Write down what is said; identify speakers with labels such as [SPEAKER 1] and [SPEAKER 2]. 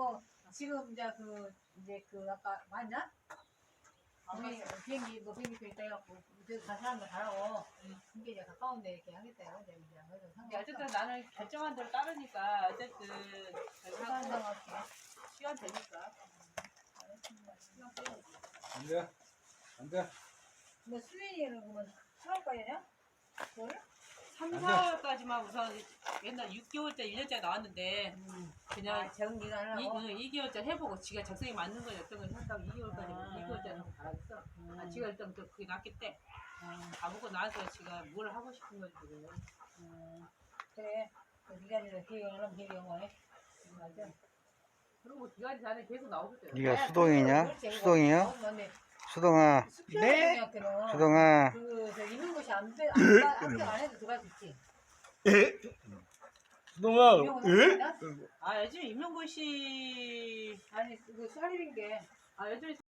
[SPEAKER 1] 뭐 지금 이제 아까 맞나? 비행기 뭐 비행기표 있다 해갖고 다시 한번 가라고. 이게 이제 가까운데 이렇게 하겠다 해요. 이제 그래서
[SPEAKER 2] 어쨌든 나는 결정한 대로 따르니까 어쨌든
[SPEAKER 1] 상관없게.
[SPEAKER 2] 시간 되니까.
[SPEAKER 3] 안 돼. 안 돼.
[SPEAKER 1] 뭐 수민이는 그러면 4월까지냐? 뭐래?
[SPEAKER 2] 3, 4월까지만 우선 옛날 6개월째, 1년째 나왔는데 그냥
[SPEAKER 1] 정기가 하려고?
[SPEAKER 2] 2개월째 해보고 지가 적성에 맞는 거 어떤 걸 한다고 2개월까지 2개월째는 가라겠어. 지가 일단 그게 낫겠대. 가보고 나서 지가 뭘 하고 싶은 건지 지금.
[SPEAKER 1] 그래. 네가 이제 기획을 하면 기획을 해. 맞아.
[SPEAKER 2] 그리고 기간이 전에 계속 나오고 있어요.
[SPEAKER 4] 네가 수동이냐? 수동이요? 수동아.
[SPEAKER 1] 네.
[SPEAKER 4] 수동아.
[SPEAKER 1] 저 있는 곳이 합격 안 해도 들어갈 수 있지.
[SPEAKER 3] 수동아.
[SPEAKER 1] 임용은
[SPEAKER 2] 아 요즘 임용고시
[SPEAKER 1] 아니 그 수학일인 게
[SPEAKER 2] 요즘